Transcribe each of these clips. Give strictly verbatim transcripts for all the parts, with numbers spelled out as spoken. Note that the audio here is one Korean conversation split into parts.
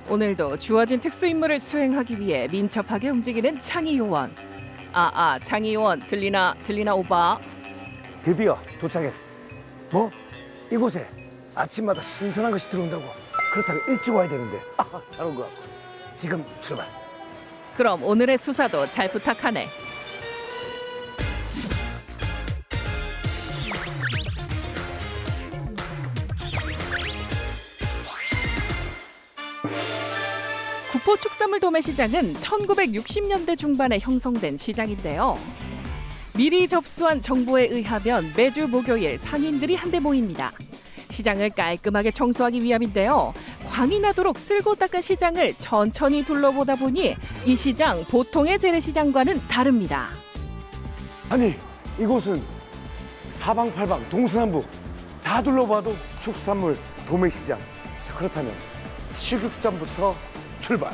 오늘도 주어진 특수 임무를 수행하기 위해 민첩하게 움직이는 창의 요원. 아아 창의 요원 들리나 들리나 오바. 드디어 도착했어. 뭐? 이곳에 아침마다 신선한 것이 들어온다고. 그렇다면 일찍 와야 되는데. 아, 잘 온 것 같고. 지금 출발. 그럼 오늘의 수사도 잘 부탁하네. 구포 축산물 도매시장은 천구백육십 년대 중반에 형성된 시장인데요. 미리 접수한 정보에 의하면 매주 목요일 상인들이 한데 모입니다. 시장을 깔끔하게 청소하기 위함인데요. 광이 나도록 쓸고 닦은 시장을 천천히 둘러보다 보니 이 시장 보통의 재래시장과는 다릅니다. 아니, 이곳은 사방팔방 동서남북 다 둘러봐도 축산물 도매시장. 자, 그렇다면 식육점부터 출발.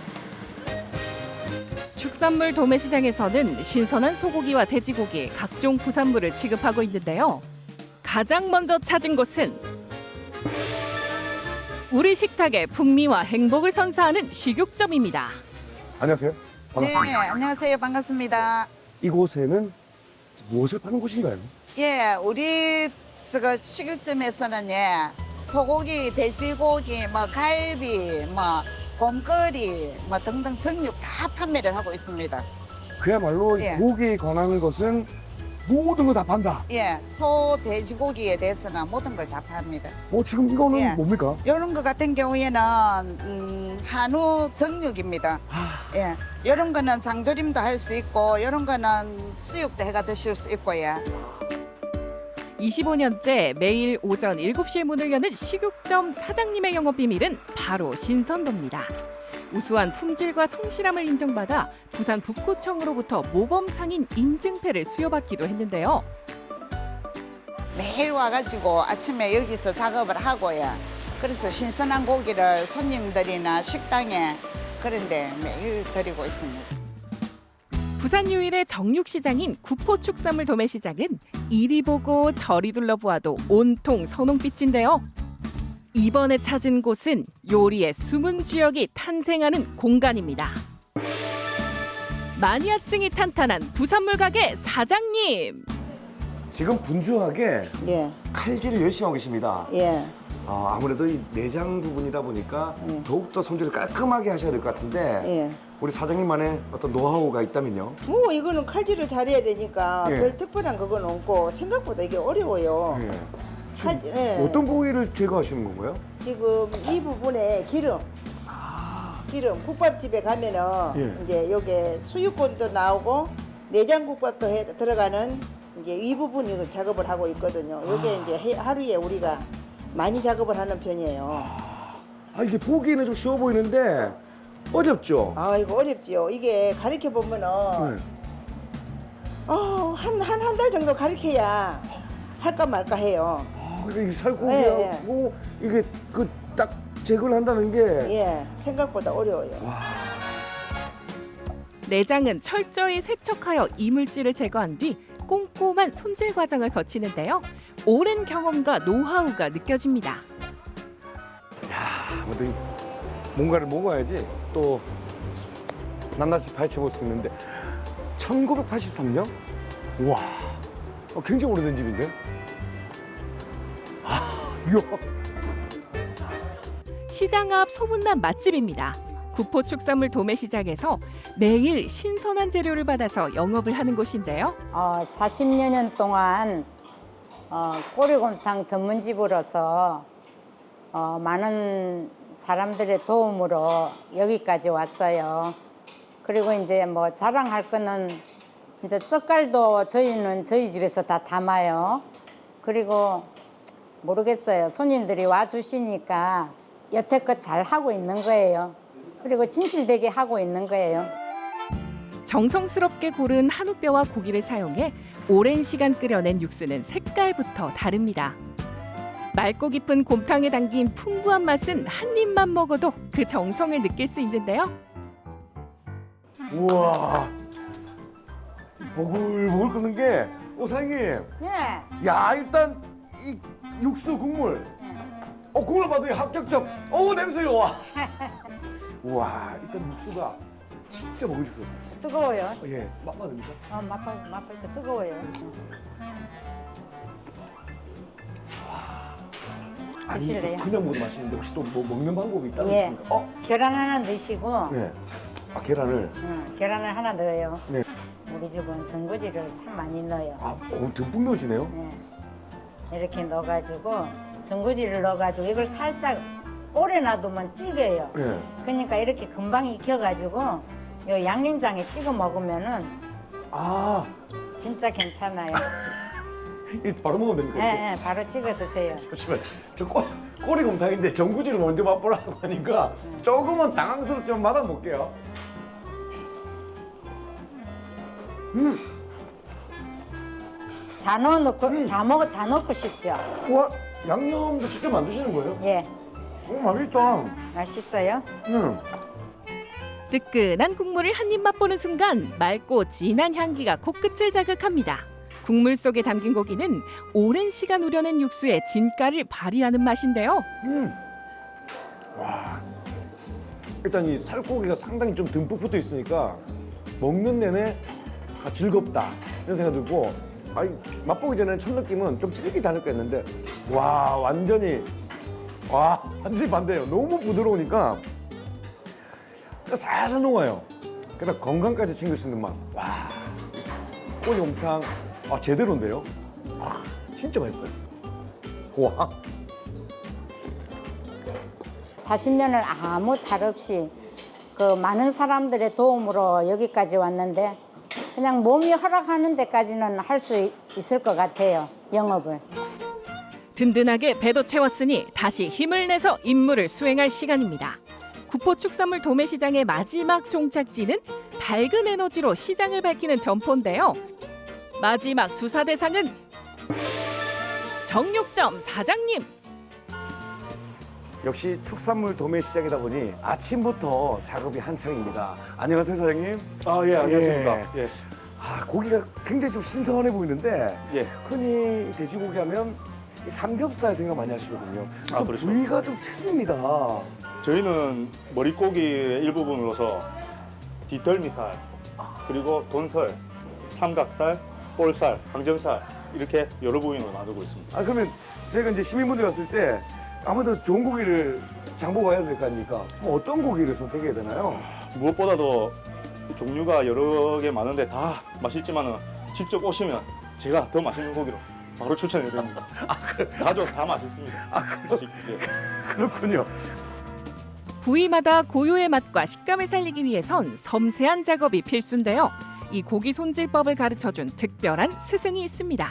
축산물 도매시장에서는 신선한 소고기와 돼지고기, 각종 부산물을 취급하고 있는데요. 가장 먼저 찾은 곳은 우리 식탁의 풍미와 행복을 선사하는 식육점입니다. 안녕하세요. 반갑습니다. 네, 안녕하세요. 반갑습니다. 이곳에는 무엇을 파는 곳인가요? 예, 우리 저 식육점에서는 예, 소고기, 돼지고기, 뭐 갈비, 뭐 곰거리, 뭐 등등 정육 다 판매를 하고 있습니다. 그야말로 예. 고기에 관한 것은 모든 거 다 판다. 예, 소, 돼지고기에 대해서는 모든 걸 다 팝니다. 어, 지금 이거는 예. 뭡니까? 이런 거 같은 경우에는 음, 한우 정육입니다. 아, 예, 이런 거는 장조림도 할 수 있고, 이런 거는 수육도 해가 드실 수 있고요. 이십오 년째 매일 오전 일곱 시에 문을 여는 식육점 사장님의 영업 비밀은 바로 신선도입니다. 우수한 품질과 성실함을 인정받아 부산 북구청으로부터 모범 상인 인증패를 수여받기도 했는데요. 매일 와가지고 아침에 여기서 작업을 하고요. 그래서 신선한 고기를 손님들이나 식당에 그런데 매일 드리고 있습니다. 부산 유일의 정육시장인 구포축산물 도매시장은 이리 보고 저리 둘러보아도 온통 선홍빛인데요. 이번에 찾은 곳은 요리의 숨은 주역이 탄생하는 공간입니다. 마니아층이 탄탄한 부산물 가게 사장님. 지금 분주하게 예, 칼질을 열심히 하고 계십니다. 예, 아, 아무래도 이 내장 부분이다 보니까 예. 더욱더 손질을 깔끔하게 하셔야 될 것 같은데 예. 우리 사장님만의 어떤 노하우가 있다면요? 뭐 이거는 칼질을 잘해야 되니까 예. 별 특별한 그건 없고 생각보다 이게 어려워요. 예. 지금 칼- 예. 어떤 부위를 제거하시는 건가요? 지금 이 부분에 기름, 기름 국밥집에 가면은 예. 이제 여기 수육고기도 나오고 내장국밥도 해, 들어가는 이제 이 부분을 작업을 하고 있거든요. 이게 이제 해- 하루에 우리가 많이 작업을 하는 편이에요. 아, 이게 보기에는 좀 쉬워 보이는데 어렵죠? 아 이거 어렵지요. 이게 가르쳐 보면은 네. 어, 한 한 한 달 정도 가르쳐야 할까 말까 해요. 아, 이게 살코기하고 예, 이게 그 딱 제거를 한다는 게 예, 생각보다 어려워요. 내장은 철저히 세척하여 이물질을 제거한 뒤 꼼꼼한 손질 과정을 거치는데요. 오랜 경험과 노하우가 느껴집니다. 아무튼 이 뭔가를 먹어야지 또 낱낱이 파헤쳐볼 수 있는데 천구백팔십삼 년? 우와, 어, 굉장히 오래된 집인데? 아, 이야. 시장 앞 소문난 맛집입니다. 구포축산물 도매시장에서 매일 신선한 재료를 받아서 영업을 하는 곳인데요. 어, 사십여 년 동안 어, 꼬리곰탕 전문집으로서 어, 많은 사람들의 도움으로 여기까지 왔어요. 그리고 이제 뭐 자랑할 거는 이제 젓갈도 저희는 저희 집에서 다 담아요. 그리고 모르겠어요. 손님들이 와주시니까 여태껏 잘 하고 있는 거예요. 그리고 진실되게 하고 있는 거예요. 정성스럽게 고른 한우뼈와 고기를 사용해 오랜 시간 끓여낸 육수는 색깔부터 다릅니다. 맑고 깊은 곰탕에 담긴 풍부한 맛은 한 입만 먹어도 그 정성을 느낄 수 있는데요. 우와, 보글보글 끓는 게, 어, 사장님. 예. 야, 일단 이 육수 국물 어, 국물 받으니 합격점. 어우, 냄새 좋아. 우와, 일단 육수가 진짜 먹으셨어요. 뜨거워요. 어, 예, 맛봐 됩니까? 어, 맛봐, 맛봐서 뜨거워요. 아니, 드실래요? 이거 그냥 먹어도 맛있는데 혹시 또 뭐 먹는 방법이 따로 예. 있습니까? 어? 계란 하나 넣으시고, 네. 아, 계란을. 응, 계란을 하나 넣어요. 네. 우리 집은 전구지를 참 많이 넣어요. 아, 어, 듬뿍 넣으시네요. 네. 이렇게 넣어가지고 전구지를 넣어가지고 이걸 살짝 오래 놔두면 질겨요. 네. 그러니까 이렇게 금방 익혀가지고 요 양념장에 찍어 먹으면은 아, 진짜 괜찮아요. 이 바로 먹으면 됩니까? 네, 이렇게? 네, 바로 찍어 드세요. 잠시만, 저 꼬, 꼬리곰탕인데 전구지를 먼저 맛보라고 하니까 조금은 당황스럽지만 맛아볼게요. 음, 다 넣어놓고 다 먹어 다 넣고 싶죠. 와, 양념도 직접 만드시는 거예요? 예, 오, 맛있다. 맛있어요. 음. 뜨끈한 국물을 한 입 맛보는 순간 맑고 진한 향기가 코끝을 자극합니다. 국물 속에 담긴 고기는 오랜 시간 우려낸 육수의 진가를 발휘하는 맛인데요. 음. 와. 일단 이 살코기가 상당히 좀 듬뿍 붙어 있으니까 먹는 내내 아, 즐겁다 이런 생각이 들고, 아니, 맛보기 전에 첫 느낌은 좀 질기지 않을까 했는데 와, 완전히 와 완전히 반대예요. 너무 부드러우니까 살살 녹아요. 게다가 건강까지 챙길 수 있는 맛. 와, 꼬리곰탕 아, 제대로인데요. 와, 진짜 맛있어요. 와. 사십 년을 아무 탈 없이 그 많은 사람들의 도움으로 여기까지 왔는데 그냥 몸이 허락하는 데까지는 할 수 있을 것 같아요. 영업을. 든든하게 배도 채웠으니 다시 힘을 내서 임무를 수행할 시간입니다. 구포축산물 도매시장의 마지막 종착지는 밝은 에너지로 시장을 밝히는 점포인데요. 마지막 수사 대상은 정육점 사장님. 역시 축산물 도매시장이다 보니 아침부터 작업이 한창입니다. 안녕하세요, 사장님. 아, 예, 안녕하십니까. 예. 아, 고기가 굉장히 좀 신선해 보이는데 예. 흔히 돼지고기 하면 이 삼겹살 생각 많이 하시거든요. 아, 좀 그렇죠. 부위가 좀 틀립니다. 저희는 머릿고기의 일부분으로서 뒷덜미살, 그리고 돈살, 삼각살, 볼살, 항정살 이렇게 여러 부위로 나누고 있습니다. 아, 그러면 저희가 이제 시민분들이 왔을 때 아무래도 좋은 고기를 장보고 와야 될 거 아닙니까? 뭐 어떤 고기를 선택해야 되나요? 무엇보다도 종류가 여러 개 많은데 다 맛있지만은 직접 오시면 제가 더 맛있는 고기로 바로 추천해 드립니다. 다죠, 다 맛있습니다. 아, 예. 그렇군요. 부위마다 고유의 맛과 식감을 살리기 위해선 섬세한 작업이 필수인데요. 이 고기 손질법을 가르쳐준 특별한 스승이 있습니다.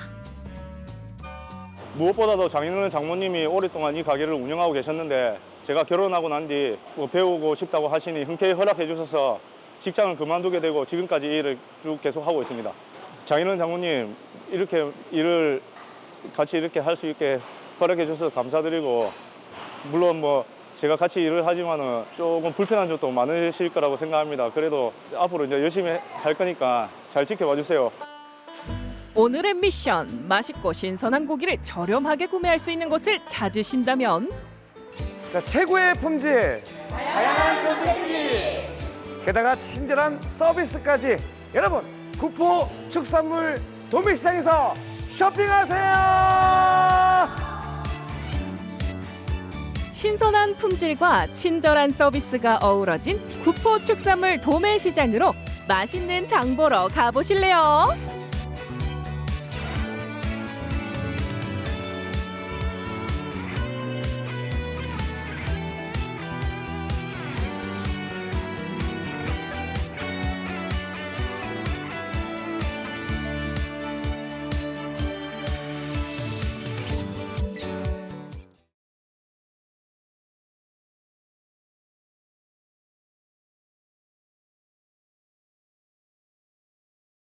무엇보다도 장인어른 장모님이 오랫동안 이 가게를 운영하고 계셨는데 제가 결혼하고 난 뒤 뭐 배우고 싶다고 하시니 흔쾌히 허락해 주셔서 직장을 그만두게 되고 지금까지 이 일을 쭉 계속하고 있습니다. 장인어른 장모님 이렇게 일을 같이 이렇게 할 수 있게 허락해 주셔서 감사드리고, 물론 뭐 제가 같이 일을 하지만은 조금 불편한 점도 많으실 거라고 생각합니다. 그래도 앞으로 이제 열심히 할 거니까 잘 지켜봐 주세요. 오늘의 미션, 맛있고 신선한 고기를 저렴하게 구매할 수 있는 곳을 찾으신다면 자, 최고의 품질, 다양한 선택지, 게다가 친절한 서비스까지. 여러분, 구포 축산물 도매시장에서 쇼핑하세요. 신선한 품질과 친절한 서비스가 어우러진 구포축산물 도매시장으로 맛있는 장 보러 가보실래요?